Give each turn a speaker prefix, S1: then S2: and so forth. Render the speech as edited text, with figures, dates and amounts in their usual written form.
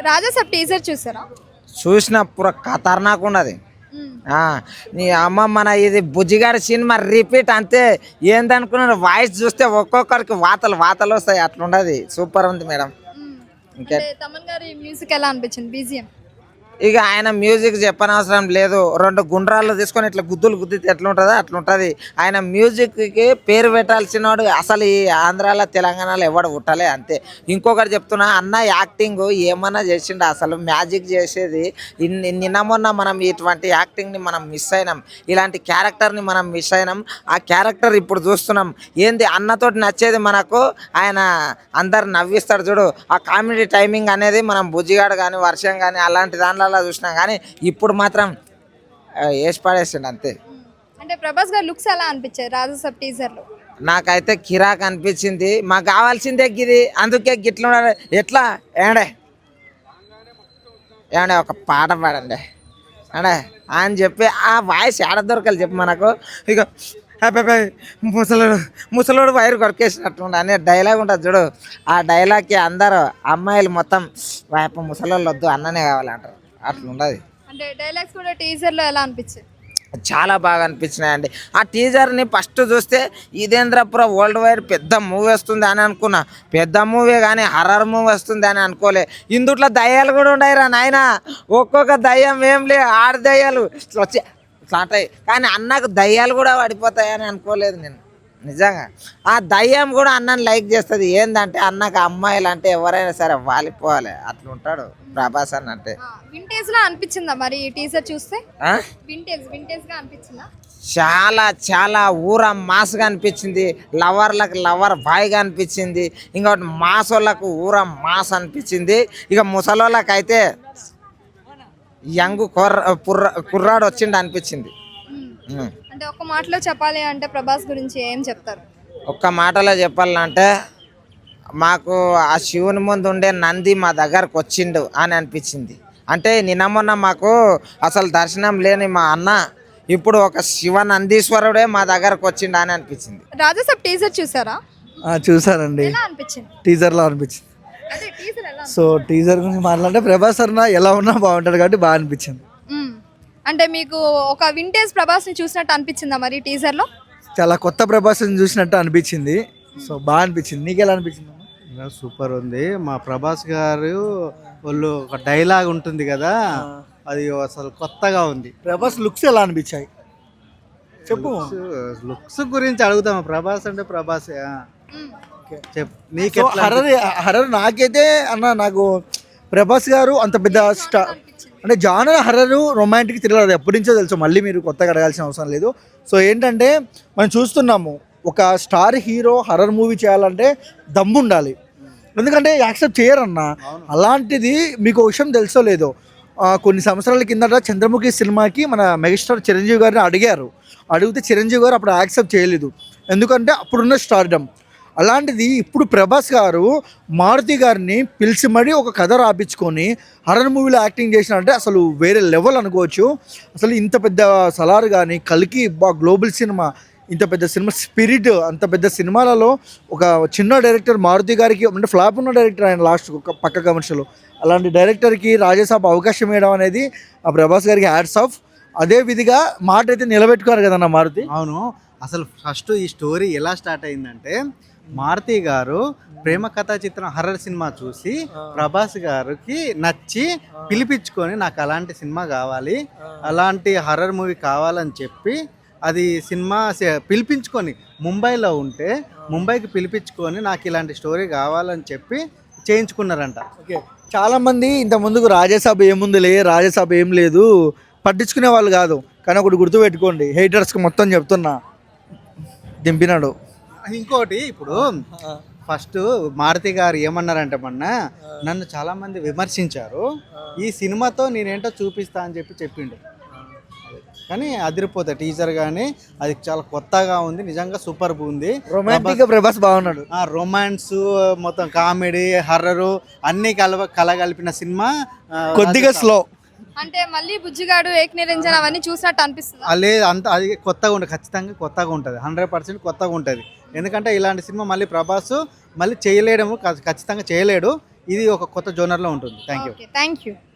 S1: Raja Saab teaser చూసారా?
S2: చూసిన పుర ఖతర్నాక్ ఉన్నది.
S1: మ్మ్.
S2: నీ అమ్మ మన ఇది బుజ్జిగాడి సినిమా రిపీట్ అంతే. ఏందనుకున్నారు, వాయిస్ చూస్తే ఒక్కొక్కరికి వాతలు వాతలు వస్తాయి, అట్లుండదు. సూపర్ ఉంది మేడం.
S1: మ్మ్.
S2: ఇంకే
S1: అంటే తమన్ గారి మ్యూజిక్ ఎలా అనిపించింది? బీజిఎం
S2: ఇక ఆయన మ్యూజిక్ చెప్పనవసరం లేదు. రెండు గుండ్రాలు తీసుకొని ఇట్లా గుద్దులు గుద్దితే ఎట్లుంటుందో అట్లుంటుంది. ఆయన మ్యూజిక్కి పేరు పెట్టాల్సిన వాడు అసలు ఈ ఆంధ్రాలో తెలంగాణలో ఎవడు పుట్టలే, అంతే. ఇంకొకటి చెప్తున్నా, అన్న యాక్టింగ్ ఏమన్నా చేసిండు, అసలు మ్యాజిక్ చేసేది. నిన్న మొన్న మనం ఇటువంటి యాక్టింగ్ని మనం మిస్ అయినాం, ఇలాంటి క్యారెక్టర్ని మనం మిస్ అయినాం. ఆ క్యారెక్టర్ ఇప్పుడు చూస్తున్నాం. ఏంది అన్నతోటి నచ్చేది మనకు, ఆయన అందరు నవ్విస్తాడు చూడు, ఆ కామెడీ టైమింగ్ అనేది మనం బుజ్జిగాడు కానీ వర్షం కానీ అలాంటి దాంట్లో చూసినాం. కానీ ఇప్పుడు మాత్రం వేసి పడేసిండు అంతే.
S1: అంటే ప్రభాస్ గారి లుక్స్ ఎలా అనిపించాయి రాజాసాబ్ టీజర్ లో?
S2: నాకైతే కిరాక్ అనిపించింది. మాకు కావాల్సిందే గిది, అందుకే గిట్ల ఎట్లా ఏడే ఏమండే ఒక పాట పాడండి అంటే అని చెప్పి ఆ వాయిస్ ఏడ దొరకాలి చెప్పి మనకు. ఇక ముసలోడు వైరు కొరికేసినట్టుండే అనే డైలాగ్ ఉంటుంది చూడు, ఆ డైలాగ్కి అందరూ అమ్మాయిలు మొత్తం వైపు ముసలోళ్ళు వద్దు అన్ననే కావాలంటారు, అట్లుండదు.
S1: అంటే డైలాగ్స్ కూడా టీజర్ లో ఎలా అనిపించాయి?
S2: చాలా బాగా అనిపించినాయండి. ఆ టీజర్ని ఫస్ట్ చూస్తే ఇదేంద్రపుర వరల్డ్ వైడ్ పెద్ద మూవీ వస్తుంది అని అనుకున్నా. పెద్ద మూవీ కానీ హర్రర్ మూవీ వస్తుంది అని అనుకోలే. ఇందుట్లో దయ్యాలు కూడా ఉండయిరా నాయన. ఒక్కొక్క దయ్యం ఏం లే, ఆరు దయ్యాలు ఇట్లా వచ్చి ఇట్లా అంటాయి. కానీ అన్నకు దయ్యాలు కూడా పడిపోతాయని అనుకోలేదు నేను, నిజంగా. ఆ దయ్యం కూడా అన్నని లైక్ చేస్తుంది. ఏంటంటే అన్నకు అమ్మాయిలు అంటే ఎవరైనా సరే వాలిపోవాలి, అట్లా ఉంటాడు ప్రభాస్ అన్న అంటే.
S1: వింటేజ్ లా అనిపించిందా మరి ఈ టీజర్ చూస్తే? వింటేజ్ గా అనిపించిందా?
S2: చాలా చాలా ఊర మాస్గా అనిపించింది. లవర్లకు లవర్ బాయ్గా అనిపించింది. ఇంకోటి మాసోళ్ళకు ఊర మాస్ అనిపించింది. ఇక ముసలోళ్ళకి అయితే యంగ్ కుర్రాడు వచ్చిండు అనిపించింది.
S1: అంటే ఒక్క మాటలో చెప్పాలి అంటే ప్రభాస్ గురించి ఏం చెప్తారు?
S2: ఒక్క మాటలో చెప్పాలంటే, మాకు ఆ శివుని ముందు ఉండే నంది మా దగ్గరకు వచ్చిండు అని అనిపించింది. అంటే నిన్న మొన్న మాకు అసలు దర్శనం లేని మా అన్న ఇప్పుడు ఒక శివ నందీశ్వరుడే మా దగ్గరకు వచ్చిండు అని అనిపించింది.
S1: రాజాసాబ్ టీజర్ చూసారా?
S3: చూసానండి.
S1: ఎలా అనిపించింది?
S3: టీజర్లో అనిపించింది.
S1: అదే టీజర్ ఎలా?
S3: సో టీజర్ గురించి మాట్లాడితే ప్రభాస్ అన్న ఎలా ఉన్నా బాగుంటాడు కాబట్టి బాగా అనిపించింది.
S1: అంటే మీకు ఒక వింటేజ్ ప్రభాస్ ని చూసినట్టు అనిపించిందా మరి టీజర్ లో?
S3: చాలా కొత్త ప్రభాస్ని చూసినట్టు అనిపించింది. సో బాగా అనిపించింది. నీకు ఎలా అనిపించింది?
S4: సూపర్ ఉంది. మా ప్రభాస్ గారు వాళ్ళు ఒక డైలాగ్ ఉంటుంది కదా, అది అసలు కొత్తగా ఉంది.
S3: ప్రభాస్ లుక్స్ ఎలా అనిపించాయి చెప్పు.
S4: లుక్స్ గురించి అడుగుతాము. ప్రభాస్ అంటే ప్రభాస్. చెప్పు నీకు
S3: హర్రర్ నాకైతే అన్న, నాకు ప్రభాస్ గారు అంత పెద్ద స్టార్ అంటే జానర్ హర్రర్ రొమాంటిక్ థ్రిల్లర్ అది ఎప్పటి నుంచో తెలుసు, మళ్ళీ మీరు కొత్తగా అడగాల్సిన అవసరం లేదు. సో ఏంటంటే మనం చూస్తున్నాము, ఒక స్టార్ హీరో హర్రర్ మూవీ చేయాలంటే దమ్ము ఉండాలి, ఎందుకంటే యాక్సెప్ట్ చేయరన్న. అలాంటిది మీకు ఒక విషయం తెలుసో లేదో, కొన్ని సంవత్సరాల కిందట చంద్రముఖి సినిమాకి మన మెగాస్టార్ చిరంజీవి గారిని అడిగితే చిరంజీవి గారు అప్పుడు యాక్సెప్ట్ చేయలేదు, ఎందుకంటే అప్పుడున్న స్టార్డమ్. అలాంటిది ఇప్పుడు ప్రభాస్ గారు మారుతి గారిని పిలిచి మరీ ఒక కథ రాపించుకొని హర్రర్ మూవీలో యాక్టింగ్ చేసినంటే అసలు వేరే లెవెల్ అనుకోవచ్చు. అసలు ఇంత పెద్ద సలార్ కానీ కల్కి గ్లోబల్ సినిమా, ఇంత పెద్ద సినిమా స్పిరిట్, అంత పెద్ద సినిమాలలో ఒక చిన్న డైరెక్టర్ మారుతి గారికి అంటే ఫ్లాప్ ఉన్న డైరెక్టర్ ఆయన లాస్ట్ ఒక పక్క కమర్షియల్, అలాంటి డైరెక్టర్కి రాజాసాబ్ అవకాశం ఇవ్వడం అనేది ఆ ప్రభాస్ గారికి హ్యాట్స్ ఆఫ్. అదే విధిగా మాట అయితే నిలబెట్టుకున్నారు కదన్న మారుతి.
S4: అవును. అసలు ఫస్ట్ ఈ స్టోరీ ఎలా స్టార్ట్ అయిందంటే, మారుతి గారు ప్రేమ కథా చిత్రం హర్రర్ సినిమా చూసి ప్రభాస్ గారికి నచ్చి పిలిపించుకొని నాకు అలాంటి సినిమా కావాలి, అలాంటి హర్రర్ మూవీ కావాలని చెప్పి అది సినిమా పిలిపించుకొని ముంబైలో ఉంటే ముంబైకి పిలిపించుకొని నాకు ఇలాంటి స్టోరీ కావాలని చెప్పి చేయించుకున్నారంట.
S3: ఓకే, చాలామంది ఇంత ముందుకు రాజాసాబ్ ఏముందిలే, రాజాసాబ్ ఏం లేదు పట్టించుకునే వాళ్ళు కాదు. కానీ ఒకటి గుర్తుపెట్టుకోండి, హేటర్స్కి మొత్తం చెప్తున్నా, దింపినాడు.
S4: ఇంకోటి ఇప్పుడు ఫస్ట్ మారుతి గారు ఏమన్నారంటే, నన్ను చాలా మంది విమర్శించారు, ఈ సినిమాతో నేనేంటో చూపిస్తా అని చెప్పిండు. కానీ అదిరిపోతా టీజర్ కానీ అది చాలా కొత్తగా ఉంది, నిజంగా సూపర్ ఉంది.
S3: రొమాంటిక్ ప్రభాస్ బాగున్నాడు.
S4: రొమాన్స్ మొత్తం కామెడీ హర్రరు అన్ని కలగలిపిన సినిమా.
S3: కొద్దిగా స్లో
S1: అంటే మళ్ళీ బుజ్జిగాడు ఏక్ నిరంజన్ అవన్నీ చూసినట్టు అనిపిస్తుంది.
S4: లేదు, అంత అది కొత్తగా ఉంటుంది, ఖచ్చితంగా కొత్తగా ఉంటుంది, 100% కొత్తగా ఉంటుంది. ఎందుకంటే ఇలాంటి సినిమా మళ్ళీ ప్రభాస్ మళ్ళీ చేయలేడము, ఖచ్చితంగా చేయలేడు. ఇది ఒక కొత్త జోనర్లో ఉంటుంది. Thank you.
S1: Okay thank you.